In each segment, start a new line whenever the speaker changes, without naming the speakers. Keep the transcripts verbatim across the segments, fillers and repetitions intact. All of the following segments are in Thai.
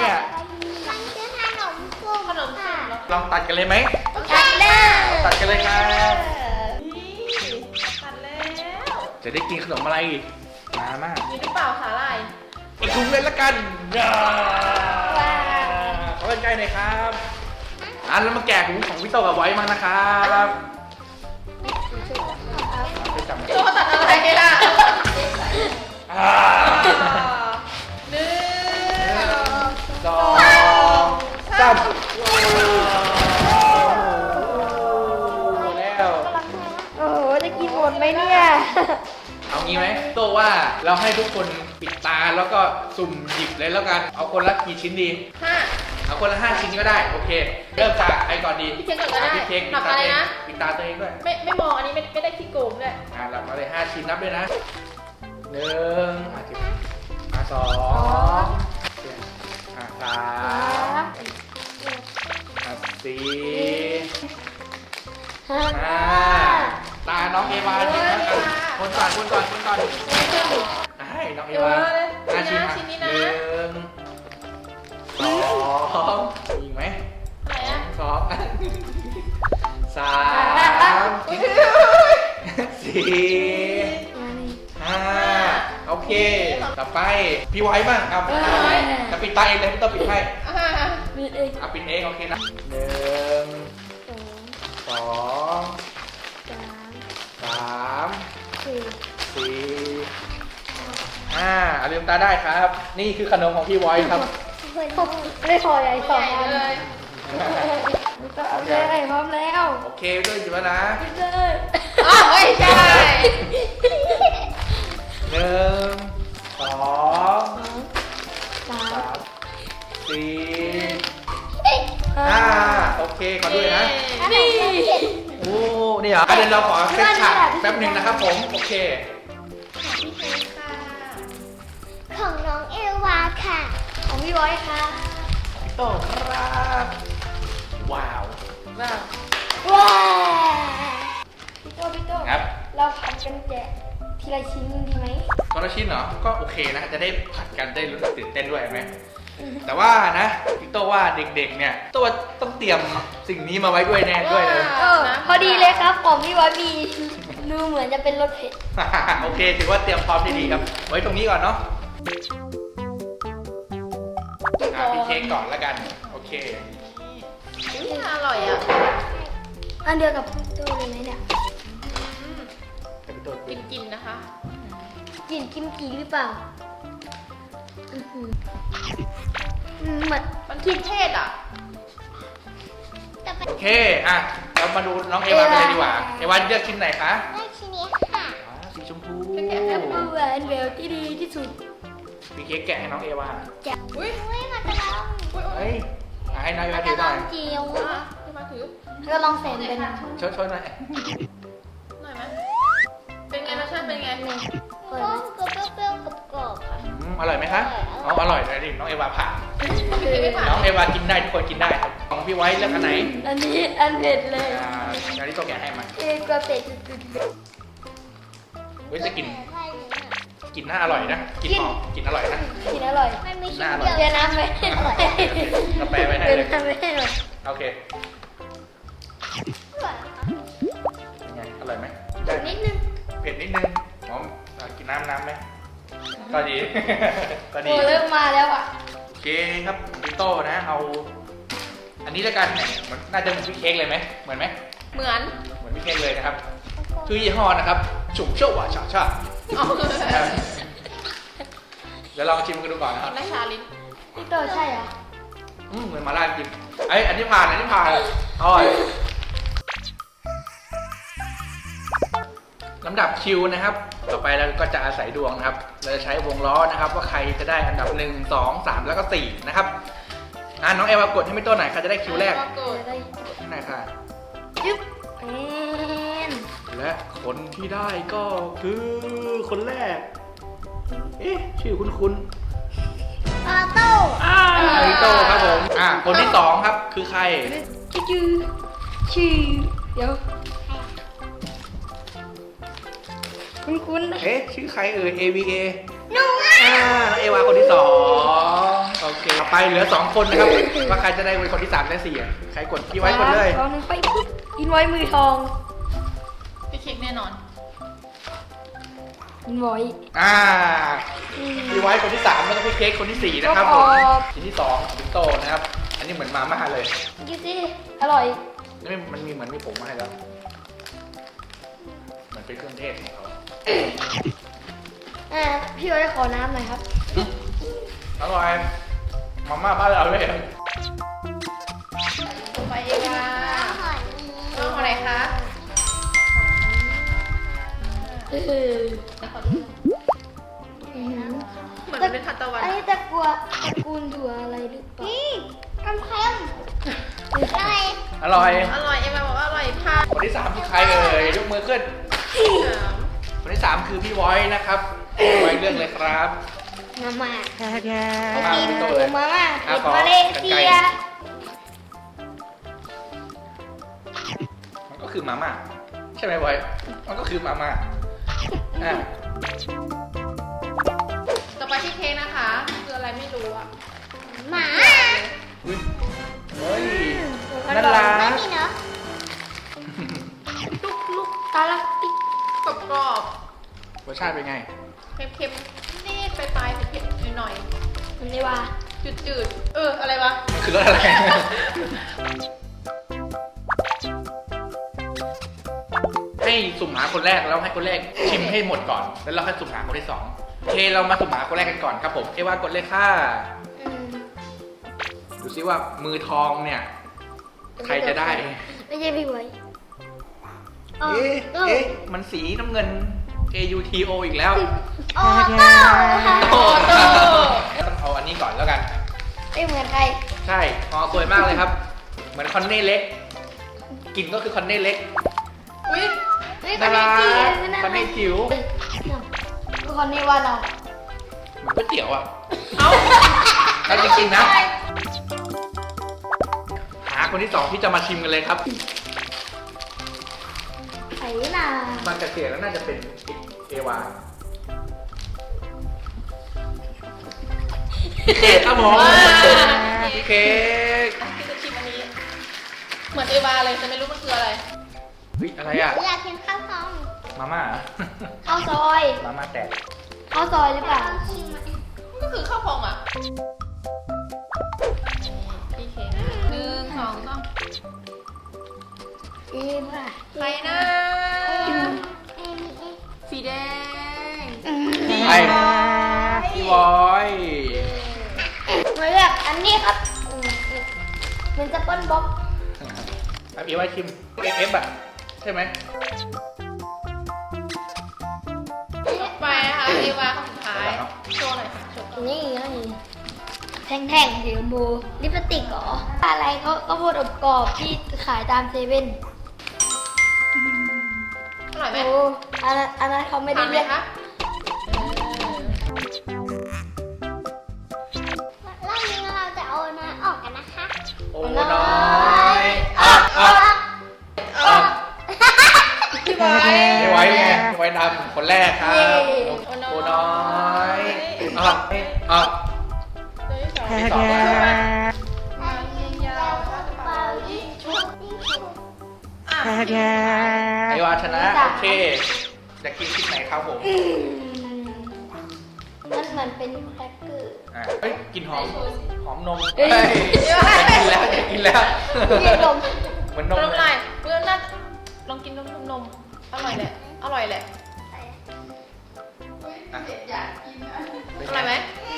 เนี่ย
มันคือขนมกุ้ง
ขนมสุ่มเหรอ
ลองตัดกันเลยไหม
ตัดเลย
ตัดกันเลยครับ
นี่ตัดแล้ว
จะได้กินขนมอะไรอีกมามาก
มีหรือเปล่าสาหร่าย
อีกถุงเลยละกันขอเป็นใจหน่อยครับอ่ะแล้วมาแกะถุงของพี่โตกับไว้มานะครับไปจับมา
โจตัดอะไรล่ะ
อ่า
หนึ่ง
สองสามแล้ว
โอ้โหจะกินหมดไหมเนี่ย
เอางี้ไหมโตว่าเราให้ทุกคนปิดตาแล้วก็สุ่มหยิบเลยแล้วกันเอาคนละกี่ชิ้นดี
ห้า
เอาคนละห้าชิ้นก็ได้โอเค เริ่มจากใครก่อนดี
พี่เค้กก่อนก็ได้
พี่เค้กปิ
นั
ด
บ
ตา
อะไร
เอง
นะ
ปิดตาตัวเองด้วย
ไม่ไม่มองอันนี้ไม่ไม่ได้ขี้โกงด้วย
อ่าหลับมาเลยห้าชิ้นนับด้วยนะหนึ่งอ่ะสิบอ่ะสองอ่ะสามอ่ะสี่
ห้า
ห้าตาน้องเอวาชิ้นนะคนก่อนคนก่อนคนก่อนให้น้องเอวาห้าชิ้นอ่ะหนึ่งสองอีกไหม
ไหนอะ
สองสามสี่ห้าโอเค ต่อไปพี่ไว้บ้างครับจะปิดตาเองเลยไม่ต้องปิดให้
อ่า
มีเอง
เอาปิดเองโอเคนะหนึ่ง
สอง
สอง
สาม
สาม
สี่
สี่ห้าเอาลืมตาได้ครับ นี่คือขนมของพี่ไว้ครับ
ไม่พอใหญ่สอง
ใหญ่
อัน
เลย
ก็เอาเลยพร้อมแล้ว
โอเคด้วยจิบนะ
กินเลย
อ๋อไม่ใช่
หนึ่งสอง
สาม
สามสี่ห้าโอเคขอด้วยนะ
นี่
โอ้นี่เหรอเดี๋ยวเราขอเซตฉากแป๊บหนึ่งนะครับผมโอเค
พี่เค้กค่ะ
ของน้องเอวาค่ะ ของพี่บอยค่ะ
พี่โต้ครับว้าว
ว้าว
ว้าวพี่โตพี่โต
ครับ
เราผัดกันแกะทีละชิ้นดีไหม
คนละชิ้นเหรอก็โอเคนะจะได้ผัดกันได้รู้สึกตื่นเต้นด้วยไหมแต่ว่านะพี่โต้ว่าเด็กๆเนี่ยโต้ต้องเตรียมสิ่งนี้มาไว้ด้วยแน่ด้วยเลย
เออพอดีเลยครับของพี่บอยมีดูเหมือนจะเป็นรสเผ็ด
โอเคถือว่าเตรียมพร้อมได้ดีครับ ไว้ตรงนี้ก่อนเนาะอ่ะพี่เค้กก่อนแล้วกันโอเค
นี่อร่อยอ่ะ
อันเดียวกับพี่โตเลยไหมเนี่ย
อืม
แต่พี่โต้
กินกินนะคะ
กลิ่นกิมจิหรือเปล่าอื้อหืออืมเหมือน
มันกินเทศอ่ะ
โอเคอ่ะเรามาดูน้องเอวากันเลยดีกว่าเอวาเลือกชิ้นไหนคะ
ได้ชิ้นนี้ค่ะ
อ่าสีชมพู
แอปเปิ้ลแหวนแหววที่ดีที่สุด
พี่เค้กแกะให้น้องเอวา
จะ
อุ้ย
อุ้ยมันจะลอง
อุ้ยอุ้
เฮ้
ย
ยอ่ะให้น้องเอ
มั
วาน
จะ
ถือ
ล
หน่
อ
อง ย
จิ๋ว
อ่ะให้มาถือ
ก็ลองใส่เป็น
ช่วยช่วยหน่อย
หน่อยไหมเป็นไงรสชาติเป็นไง
ก็เปรี้ยวๆกรอบๆค่ะ
อืมอร่อยไหมคะอ๋ออร่อยเลยดิน้องเอวาผ่าน
พี่เค้กไม่ผ่าน
น้องเอวากินได้ทุกคนกินได้ครับของพี่ไว้เลือกอันไหน
อันนี้อันเผ็ดเลย
อ่าอันนี้ตัวแกะให้มา
เอ็กว่าเผ็ดสุด
เฮ้ยจะกินกินน่าอร่อยนะกินหอมกินอร่อยนะ
ๆกินอร่อยมันไม่ชิ้นเดียวเดี๋ยวน้ำไว้ให้หน่อย
เราแปลไว้ให้
เดี๋ยว
เลย
น้ำไว้ให้หน่อย
โอเคเป็นไงอร่อยไหม
นิดนึง
เผ็ดนิดนึงหอมอ่ะกินน้ำน้ำไหมก็ดี ก็ดี
โอ้เริ่มมาแล้วอ่ะ
โอเคครับพี่โต้นะเอา อันนี้แล้วกันเนี่ยมันน่าจะเหมือนพี่เค้กเลยไหมเหมือนไหม
เหมือน
เหมือนพี่เค้กเลยนะครับชื่อยี่ห้อนะครับฉุกเชี่ยวหวานฉาชา
อ๋อ
เดี๋ยวลองชิมกันดูก่อนนะครับ
ได้ชาลิ้น
พี่โตใช่เหรอ
อืมเหมือนมาล่าจริงไอยอันนี้ผ่านอันนี้ผ่านอร่อยลำดับคิวนะครับ ต่อไปเราก็จะอาศัยดวงนะครับ เราจะใช้วงล้อนะครับ ว่าใครจะได้อันดับหนึ่งสองสามแล้วก็สี่นะครับอ่าน้องเอวากดให้ไม่ต้นไหนอยใครจะได้คิวแรก
ก็โกรธ
ได้
ที่ไหนค่ะ
จึ๊บเอ็น
และคนที่ได้ก็คือคนแรก เอ๊ะชื่อคุณคุณ
ออโต้
อ่าลิโต้ครับผมอ่าคนที่สองครับคือใคร
ชื่อชื่อเดี๋ยวคุ้นๆนะ
เอ๊ะชื่อใครเอ่ย เอ วี เอ
หนูอ่ะ
อ่าน้องเอวาคนที่สองโอเคต่อไปเหลือสองคนนะครับว่าใครจะได้เป็นคนที่สามและสี่อ่ะใครกดพี่ไว้กดเลย
สองหนึ่งไปปุ๊บอินไว้มือทอง
พี่คิกแน่นอน
อินไว้
อ่า
อืม
พี่ไว้คนที่สามแล้วก็พี่เค้กคนที่สี่นะครับ
ค
ผ
รั
ม
บ
ชิ้นที่สองสิงโตนะครับ อันนี้เหมือนมาม่าเลย
กินสิอร่อย
นี่มันมีเหมือนมีผงมาให้แล้วเหมือนเป็นเครื่องเทศของเขา
อ่าพี่ไว้ขอน้ำหน่อยครับ
อร่อยมาม่าบ้านเราเลย
ต่อไปเอวาน้องคนไหนคะ
เออ
เหมือนเป็นทันตะวัน
อันนี้ตะกัวตระกูลถั่วอะไรหรือเปล่านี่กำเค็มอะไร
อร่อย
อร่อยเอวาบอกว่าอร่อยค่ะ
คนที่สามคือใครเอ่ยยกมือขึ้น
สาม
คนที่สามคือพี่ไว้นะครับพี่ไว้เรื่องเลยครับ
มาม่า
มา
กิน
พี่โต
ห
เล
มู
ย
มาม่า
อ่ะ
เผ็ด
ขอ
มาเลเซีย
มันก็คือมาม่าใช่ไหมไว้มันก็คือมาม่าอ่ะ
ต่อไปพี่เค้กนะคะ คืออะไรไม่รู้อ่ะ
หมา
อุ๊ยเฮ้ย
มัน
น่า
บอก
รั
ไม่
ก
มีเนาะ
ลูกลูก
ตาลักติ๊ก
กรอบกรอบ
รสชาติเป็นไง
ๆเค็มๆนิดๆปลายๆเผ็ดๆหน่อย
มันนี่ว่า
ๆจืดๆเอออะไรวะ
มันคือรสอะไร ให้สุ่มหาคนแรกแล้วให้คนแรกชิมให้หมดก่อน แล้วเราค่อยสุ่มหาคนที่สองโอเคเรามาสุ่มหาคนแรกกันก่อนครับผมเอว่ากดเลยค่ะ
อืม
ดูซิว่ามือทองเนี่ย ใครจะได้
ไม่ใช่พี่ไว้
เอ๊ะเอ๊ะมันสีน้ำเงิน A U T O อีกแล้ว
โอ้โต้
โอ้โหต้องเอาอันนี้ก่อนแล้วกัน
ไม่เหมือนใคร
ใช่หอสวยมากเลยครับ เหมือนคอนเน่เล็กกลิ่นก็คือคอนเน่เล็ก
อุ้ย
เฮ้ย
น่ารัก
ค
คอน น
นี้
เน่จิ๋ว
คือคนนี้ว่าเรา
เหมือนก๋วยเตี๋ยวอ่ะ
เอ้า
เอาจริงๆนะ หาคนที่สองที่จะมาชิมกันเลยครับ
ไผ่นา
มันจะเสียแล้วน่าจะเป็นเอวาเค้กครับผม
ว้า
พี่เค้ก
พี่จะชิมอันนี้ เหมือนเอวาเลยแต่ไม่รู้มันคืออะไร
เฮ้ยอะไรอ่ะ
อยากกินข้าวซอง
มาม่าเหรอ
ข้าวซอย
มาม่าแตก
ข้าวซอยหรือเปล่า
มันก็คือข้าวพองอ่ะพี่เค้กหนึ่งสองสาม
อีม่ะ
ใครนะสีแดง
ใครพี่บอย
มาเลือกอันนี้ครับอืมมันจะเปิ้ลบ็อก
ครับเอวาชิมเอฟอ่ะใช่ไหม
ไปนะคะเอวาคนสุดท้าย โชว์หน่อยค่ะโชว์
นี่นี่แท่งๆสีชมพูลิปสติกเหรออะไรเขาก็พูดอบกรอบที่ขายตามเซเว่น
อร่อยไหม
โอ้อันนั้นอันนั้นเขาไม่ได้
ทานไหม
เรียก
คะเออ
รอบนี้เราจะเอาน้อยออกกันนะคะ
โอ้น้อยอ่ะอ่ะอ่ะ
พี่บอย
พี่ไว้ไงพี่ไว้ดำคนแรกครับโอ้น้อยอ่ะอ่ะ
ตัวที่สอง
ที่สอง
มายิงยาวเป่ายิงชุบอ่ะ
เอวาชนะโอเคจะกินชิ้นไหนครับผม
อืมมันเหมือนเป็นแครกเกอร์
อ่ะเฮ้ยกลินหอมหอมนม
เอ้
เฮ้
ย
ยอยากกินแล้วอยากกินแล้ว
เรียกนม
เหมือนน
น
ม
ม
เล
อะไร
ย
เพื่อนน่าลองกินนมนมอร่อยแหละ อร่อยแหละ
อ่ะ
อร่อยไหม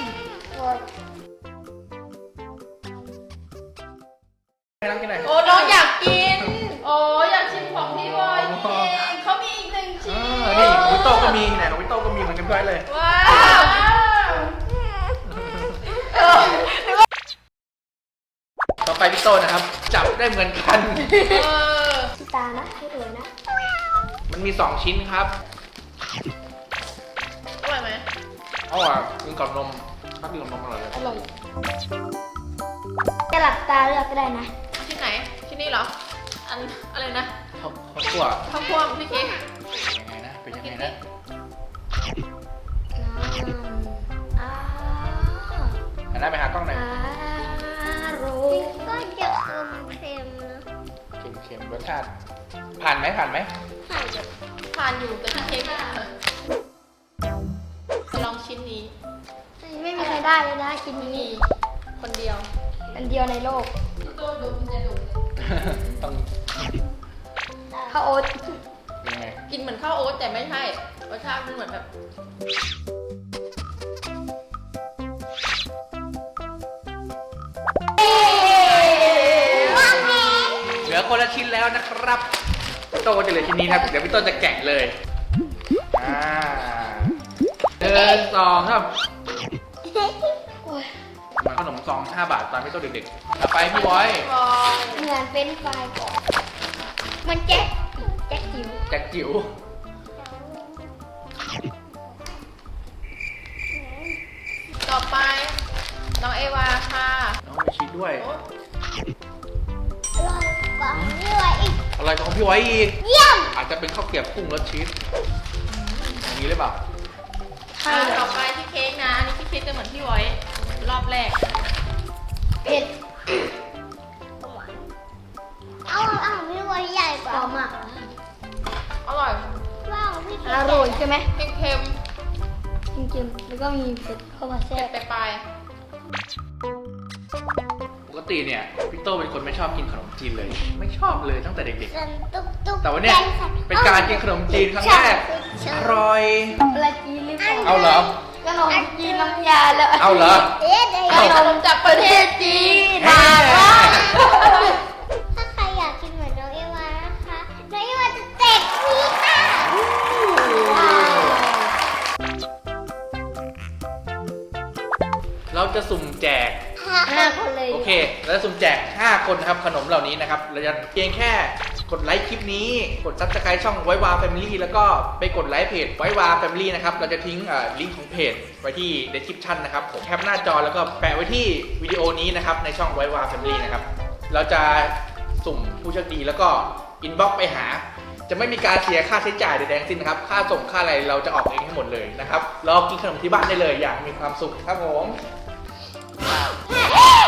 ให้น้องกินหน่อย
โอ้น้องอยากกิน โอ้อยากชิมของพี่บอยจริงเขามีอีกหนึ่ง
เอ
ชิ้น
อนี่ของวิโต้ก็มีไหนของวิโต้ก็มีเหมือนกันด้วยเลย
ว้าวเออ
ต่อไปพี่โต้นะครับ จับได้เหมือนกัน
เออ
ตานะให้ดูนะ
มันมีสองชิ้นครับ
อร่อยไหม
เอาอ่ะกินกับนมถ้ากินกับนมอร่อยเลย
อร่อยจะหลับตาเลือกก็ได้นะ
ชิ้นไหน ชิ้นนี้เหรอ อันอะไรนะ
เขาเขาคั่ว
ข้าวพ่วงพี่กิ๊ก
ยังไงนะเป็นยังไงนะ
น
หันหน้าไปหากล้องหน่อย
อร่อย
ก็จะเค็มๆนะ
เค็มๆรสชาติผ่านไหมผ่านไหม
ผ่านแบบ
ทานอยู่แต่ที่เค้กอะลองชิ้นนี้
ไม่มีใครได้เลยนะกิน
มี
นี้
คนเดียว
อันเดียวในโลก
ตัวดูมันจะดู
ต้อง
ข้าวโอ๊ต
ยังไง
กินเหมือนข้าวโอ๊ตแต่ไม่ใช่รสชาติมันเหมือนแบบ
เหลือคนละชิ้นแล้วนะครับพี่โต้จะเหลือชิ้นนี้ครับเดี๋ยวพี่โต้จะแกะเลยอ่าหนึ่งสองครับ
โอ้ย
เหมือนขนมซองห้าบาทตอนพี่โต้เด็กๆเอาไปพี่บอย
บอย
เหมือนเฟรนช์ฟรายก่อนมันแจ๊กแจ๊กจิ๋ว
แจ็คจิ๋ว
ต่อไปน้องเอวาค่ะ
น้องมีชีสด้วย
โอ๊ย
อร่อยกว่านี่ไว้อีก
อะไรของพี่ไว้อีก
เยี่ยม
อาจจะเป็นข้าวเกรี๊ยวกุ้งรสชีสอย่างนี้หรือเปล่า
อ่าต่อไปที่เค้กนะอันนี่ที่เค้กจะเหมือนพี่ไว้รอบแรก
เผ็ด
เอาเอาพี่ไว้ใหญ่ก
ห
ว่า
อมอ่ะ
อร่อย
ว้าวพี่
อร่อยใช่ไหม
เค็ม
จริงๆแล้วก็มีเผ็ดเข้ามา
ๆ
แทร
เผ็ด
ก
ปลาย
ปกติเนี่ยพี่โต้เป็นคนไม่ชอบกินขนมจีนเลย ไม่ชอบเลยตั้งแต่เด็ก
สันตุ๊กตุ๊ก
ๆ แต่วันเนี้ยเป็นการกินขนมจีนครั้งแรกอร่อย
อะไรจีนหรือเปล่า
เอาเหรอ
ขนมจีนน้ำยาแล้ว
เอาเหรอ
เอ๊ะเดี๋ยว
เอา
ขนมจากประเทศจีน
แม่
ถ้าใครอยากกินเหมือนน้องเอวานะคะ น้องเอวาจะแจกฟรีค่ะ
เราจะสุ่มแจก
ห้าคนเลย
โอเค เราจะสุ่มแจกห้าคนนะครับขนมเหล่านี้นะครับ เราจะเพียงแค่กดไลค์คลิปนี้ กดซับสไครต์ช่องไววาแฟมิลี่แล้วก็ไปกดไลค์เพจไววาแฟมิลี่นะครับ เราจะทิ้งเอ่อลิงก์ของเพจไว้ที่ description นะครับผมแคปหน้าจอแล้วก็แปะไว้ที่วิดีโอนี้นะครับในช่องไววาแฟมิลี่นะครับ เราจะสุ่มผู้โชคดีแล้วก็อินบ็อกไปหา จะไม่มีการเสียค่าใช้จ่ายใดๆทั้งสิ้นนะครับ ค่าส่งค่าอะไรเราจะออกเองให้หมดเลยนะครับรอกินขนมที่บ้านได้เลยอย่างมีความสุขครับผม
เอ๊ะ